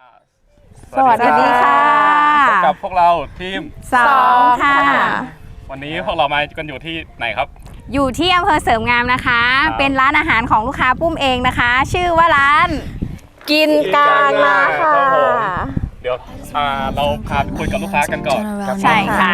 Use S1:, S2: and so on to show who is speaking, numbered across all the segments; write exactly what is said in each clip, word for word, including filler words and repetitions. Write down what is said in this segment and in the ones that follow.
S1: สวัสดีค่ะ
S2: พบกับพวกเราทีม
S1: สองค่ะ
S2: วันนี้พวกเรามากันอยู่ที่ไหนครับ
S1: อยู่ที่อำเภอเสริมงามนะคะเป็นร้านอาหารของลูกค้าปุ้มเองนะคะชื่อว่าร้าน
S3: กินกลางนาค่ะ
S2: เดี๋ยวเราพาไปคุยกับลูกค้ากันก่อน
S1: ใช่ค่ะ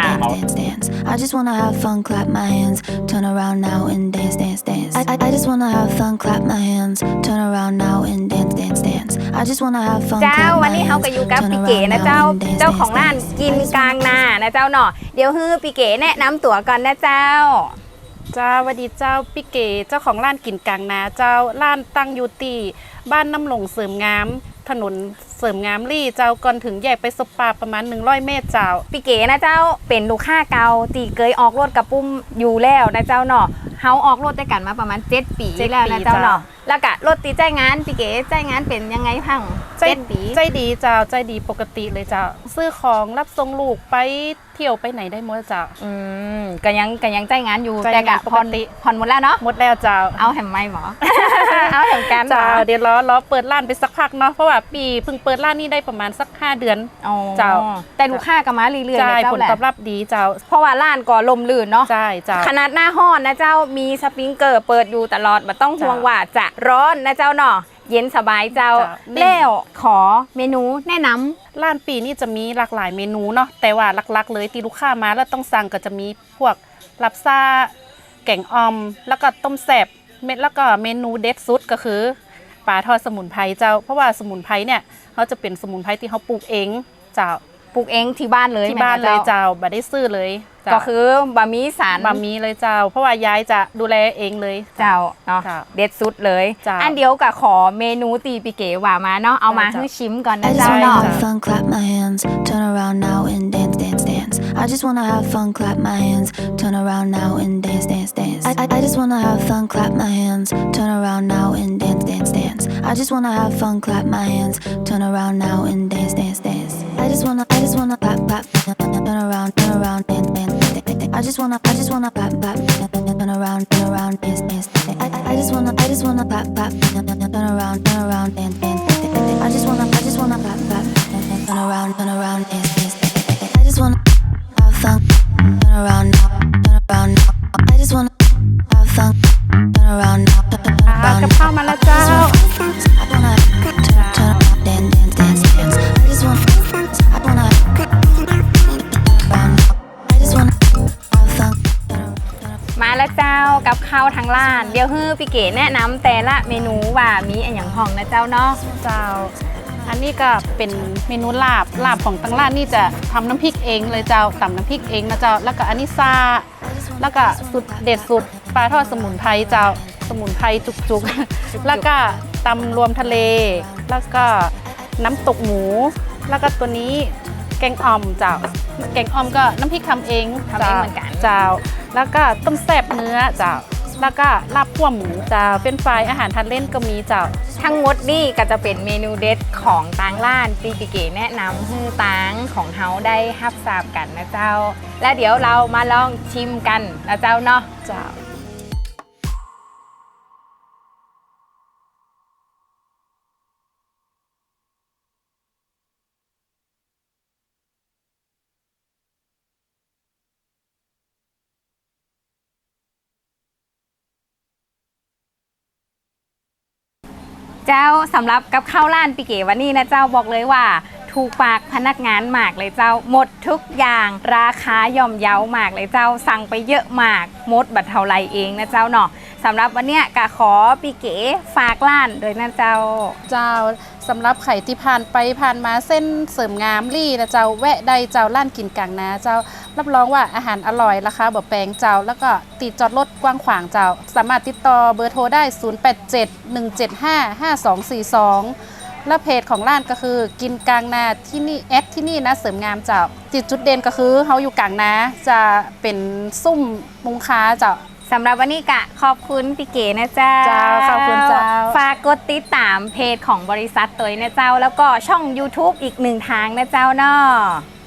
S4: I just wanna have fun, clap my hands, turn around now and dance, dance, dance. I, I, I just wanna have fun, clap my hands, turn around now and dance, dance, dance. I just wanna have fun,
S1: เจ้าวันนี้เขาก็อยู่กับพี่เก๋นะเจ้าเจ้าของร้านกินกลางนานะเจ้าเนาะเดี๋ยวฮือพี่เก๋แนะนำตัวก่อนนะเจ้า
S3: เจ้าวัสดีเจ้าพี่เก๋เจ้าของร้านกินกลางนาเจ้าร้านตั้งอยู่ที่บ้านน้ำหลงเสริมงามถนนเสริมงามลี่เจ้าก่อนถึงแยกไปสปาประมาณหนึ่งร้อยเมตรเจ้า
S1: พี่เก๋นะเจ้าเป็นลูกค้าเก่าตีเกยออกรถกับปุ้มอยู่แล้วนะเจ้าเนาะเฮาออกรถด้วยกันมาประมาณเจ็ดปีแล้วนะเจ้าเนาะแล้วก็รถตีใจงานพี่เก๋ใจงานเป็นยังไงพัง
S3: เจ็ดปีใจดีเจ้าใจดีปกติเลยเจ้าซื้อของรับส่งลูกไปเที่ยวไปไหนได้หมดเจ้า
S1: อืมก็ยังก็ยังใจงานอยู่แต่ก็ผ่อนผ่อนหมดแล้วเนาะ
S3: หมดแล้วเจ้า
S1: เอาแหมไม่หมอเอาแหมกัน
S3: เจ้าเดี๋ยวรอรอเปิดร้านไปสักพักเนาะเพราะว่าปีเพิ่งเปิดร้านนี่ได้ประมาณสักห้าเดือน
S1: เจ้าแต่ลูกค้าก็มาเรื่อยๆ
S3: เจ้าผลตอบรับดีเจ้า
S1: เพราะว่าร้านก็ลมลื่นเนาะ
S3: ใช่เจ้า
S1: ขนาดหน้าห้อนนะเจ้ามีสปริงเกอร์เปิดอยู่ตลอดไม่ต้องห่วงว่าจะร้อนนะเจ้าเนาะเย็นสบายเจ้าแล้วขอเมนูแนะนำ
S3: ร้านปีนี่จะมีหลากหลายเมนูเนาะแต่ว่าหลักๆเลยที่ลูกค้ามาแล้วต้องสั่งก็จะมีพวกลับซ่าแกงอ่อมแล้วก็ต้มแซ่บเม็ดแล้วก็เมนูเด็ดสุดก็คือปลาทอดสมุนไพรเจ้าเพราะว่าสมุนไพรเนี่ยเขาจะเป็นสมุนไพรที่เขาปลูกเองเจ้า
S1: ปลูกเองที่บ้านเลย
S3: ที่บ้านเลยเจ้าบ่ได้ซื้อเลย
S1: ก็คือบะหมี่สาร
S3: บะหมี่เลยเจ้าเพราะว่ายายจะดูแลเองเลย
S1: เจ้าเนาะเด็ดสุดเลยอันเดียวกับขอเมนูตีปีเก๋ว่ามาเนาะเอามาให้ชิมก่อนนะเจ้าเนาะ
S4: fun clap my hands turn around now and dance dance dance I just wanna have fun clap my hands turn around now and dance dance dance I, I, I just wanna have fun clap my hands turn around now and dance dance dance I just wanna have fun clap my hands turn around now and dance dance dance I just wanna I just wanna clap clap turn around turn around dance dance I just wanna, I just wanna clap, clap, turn around, turn around, dance, dance. I, I, I just wanna, I just wanna clap, clap, turn around, turn around, dance, dance. I just wanna, I just wanna clap, clap, turn around, turn around, dance, dance. I just wanna have fun, turn around now, turn around now. I just wanna have fun, turn around now, turn around.
S3: กับข้าวมาแล้วเจ้า
S4: I wanna turn, turn around, dance, dance, dance, dance. I just wanna, I wanna around now. I just wanna.
S1: มาแล้วเจ้ากับข้าวทางร้านเดี๋ยวฮือพี่เก๋แนะนำแต่ละเมนูว่ามีอะไรอย่างห้องนะเจ้าเนาะ
S3: เจ้าอันนี้ก็เป็นเมนูลาบลาบของทางร้านนี่จะทำน้ำพริกเองเลยเจ้าตำน้ำพริกเองนะเจ้าแล้วก็อันนี้ซาแล้วก็สุดเด็ดสุดปลาทอดสมุนไพรเจ้าสมุนไพรจุกๆแล้วก็ตำรวมทะเลแล้วก็น้ำตกหมูแล้วก็ตัวนี้แกงอ่อมเจ้าแกงอ่อมก็น้ำพริกทำเอง
S1: ทำเองเหมือนกัน
S3: เจ้าแล้วก็ต้มแซ่บเนื้อเจ้าแล้วก็ลาบคั่วหมูเจ้าเป็นไฟอาหารทานเล่นก็มีเจ้า
S1: ทั้งหมดนี่ก็จะเป็นเมนูเด็ดของตางร้านปีปีเก๋แนะนำให้ตางของเฮาได้ฮับทราบกันนะเจ้าและเดี๋ยวเรามาลองชิมกันนะเจ้าเนาะ
S3: เจ้า
S1: เจ้าสำหรับกับข้าวร้านปีเก๋วันนี้นะเจ้าบอกเลยว่าถูกปากพนักงานมากเลยเจ้าหมดทุกอย่างราคาย่อมเยามากเลยเจ้าสั่งไปเยอะมากหมดบัตรเท่าไรเองนะเจ้าเนาะสำหรับวันเนี้ยกะขอปีเก๋ฝากร้านโดยนะเจ้า
S3: เจ้าสำหรับไข่ที่ผ่านไปผ่านมาเส้นเสริมงามลี่นะเจ้าแวะใดเจ้าร้านกินกลางนาเจ้ารับรองว่าอาหารอร่อยราคาบ่แพงเจ้าแล้วก็ติดจอดรถกว้างขวางเจ้าสามารถติดต่อเบอร์โทรได้ศูนย์ แปด เจ็ด หนึ่ง เจ็ด ห้า ห้า สอง สี่ สองและเพจของร้านก็คือกินกลางนาที่นี่แอดที่นี่นะเสริมงามเจ้าจุดจุดเด่นก็คือเขาอยู่กลางนาจะเป็นซุ่มมุงค้าเจ้า
S1: สำหรับวันนี้กะขอบคุณพี่เก๋นะเจ้า
S3: ขอบคุณเจ้า
S1: ฝากกดติดตามเพจของบริษัทตัวนะเจ้าแล้วก็ช่อง ยูทูบ อีกหนึ่งทางนะเจ้าเนาะ